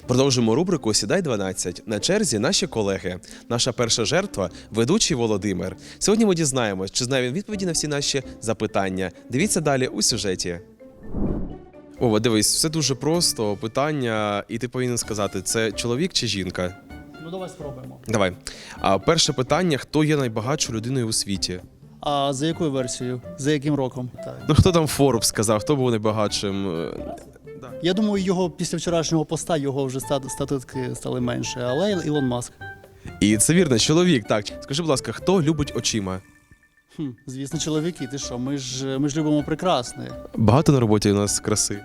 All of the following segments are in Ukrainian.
Продовжимо рубрику «Сідай 12». На черзі наші колеги. Наша перша жертва – ведучий Володимир. Сьогодні ми дізнаємось, чи знає він відповіді на всі наші запитання. Дивіться далі у сюжеті. Ова, дивись, все дуже просто. Питання, і ти повинен сказати, це чоловік чи жінка? Ну, давай спробуємо. Давай. Перше питання – хто є найбагатшою людиною у світі? А за якою версією? За яким роком? Так. Ну, хто там Forbes сказав, хто був найбагатшим? Я думаю, його після вчорашнього поста його вже статистики стали менше, але Ілон Маск. І це вірно, чоловік, так. Скажи, будь ласка, хто любить очима? Звісно, чоловіки, ти що, ми ж любимо прекрасне. Багато на роботі у нас краси.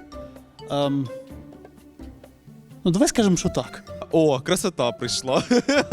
Ну, давай скажемо, що так. О, красота прийшла.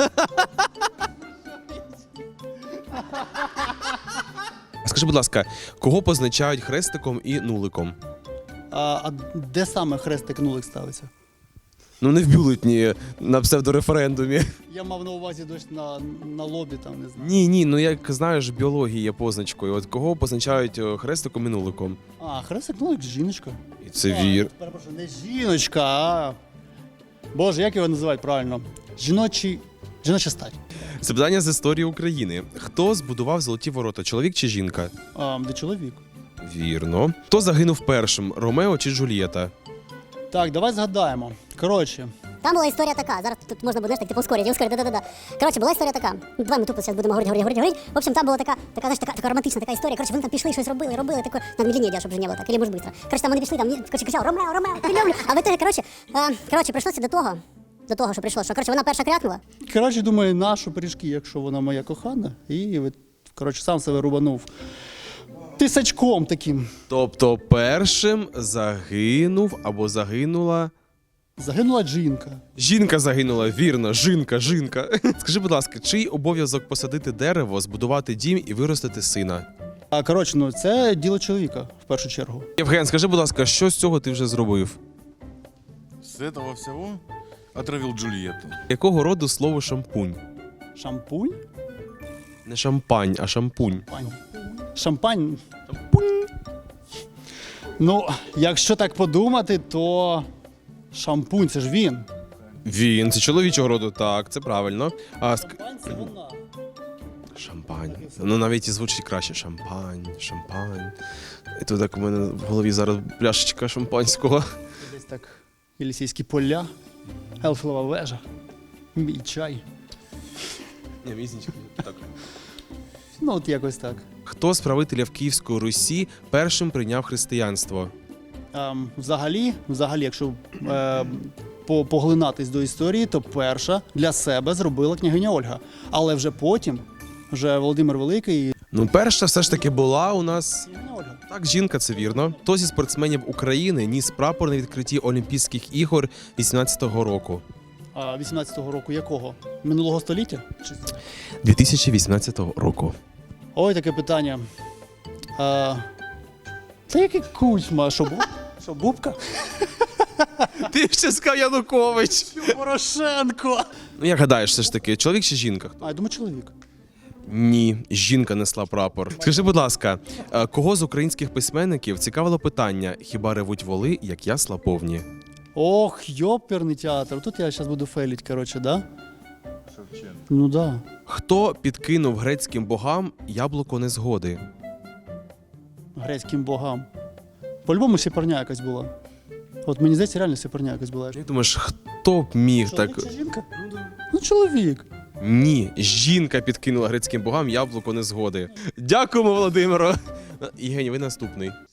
Скажи, будь ласка, кого позначають хрестиком і нуликом? А де саме хрестик-нулик ставиться? Ну, не в бюлетні на псевдореферендумі. Я мав на увазі дощ на лобі, там, не знаю. Ні, ну як знаєш, в біології є позначкою. От кого позначають хрестиком і нуликом? А, хрестик-нулик – жіночка. І це вір. Перепрошую, не жіночка, а... Боже, як його називають правильно? Жіноча стать. Запитання з історії України. Хто збудував Золоті ворота, чоловік чи жінка? Де чоловік? Вірно. Хто загинув першим, Ромео чи Джульєта? Так, давай згадаємо. Коротше. Там була історія така. Зараз тут можна буде, знаєш, так, типу, ускорити, да-да-да. Коротше, була історія така. Давай ми тупо зараз будемо говорити. В общем, там була така, знаєш, така романтична така історія. Коротше, вони там пішли, щось робили, таке, надо медленнее, щоб вже не було так, или може швидко. Коротше, там вони пішли, там, коротше, кричав, Ромео, ти люблю. А в итоге, коротше, прийшлося до того, що прийшло, що, коротше, вона перша крякнула. Коротше, думаю, нашу пиріжки, якщо вона моя кохана, і, коротше, сам себе рубанув тисачком таким. Тобто першим загинув або загинула... Загинула жінка. Жінка загинула, вірно, жінка. Скажи, будь ласка, чий обов'язок посадити дерево, збудувати дім і виростити сина? А, коротше, ну, це діло чоловіка, в першу чергу. Євген, скажи, будь ласка, що з цього ти вже зробив? С этого всего отравил Джульетту. Якого роду слово шампунь? Шампунь? Не шампань, а шампунь. Шампань. Ну, якщо так подумати, то шампунь – це ж він. Він, це чоловічого роду, так, це правильно. Шампань – це вона. Шампань. Ну, навіть і звучить краще. Шампань. І то так у мене в голові зараз пляшечка шампанського. Десь так Єлісейські поля, Елфілова вежа, мій чай. Ні, візнічка, так. Ну, от якось так. Хто з правителів Київської Русі першим прийняв християнство? Взагалі, якщо поглинатись до історії, то перша для себе зробила княгиня Ольга. Але вже потім, Володимир Великий... Ну, перша все ж таки була у нас... Княгиня Ольга. Так, жінка, це вірно. Хто зі спортсменів України ніс прапор на відкритті Олімпійських ігор 18-го року? 18-го року якого? Минулого століття? 2018 року. Ой, таке питання. Це який Кучма? Що Бубка? Ти ще сказав Янукович. Порошенко! Ну, як гадаєш, все ж таки, чоловік чи жінка? Я думаю, чоловік. Ні, жінка несла прапор. Скажи, будь ласка, кого з українських письменників цікавило питання «Хіба ревуть воли, як ясла повні»? Ох, йоперний театр. Тут я зараз буду фейлить, коротше, да? Шевченко. Ну да. Хто підкинув грецьким богам яблуко незгоди? Грецьким богам. По-любому сіперня якась була. От мені здається, реально сіперня якась була. Як думаєш, хто б міг так... Чоловік чи жінка? Ну, чоловік. Ні, жінка підкинула грецьким богам яблуко незгоди. Дякуємо, Володимиро. Євгеній, ви наступний.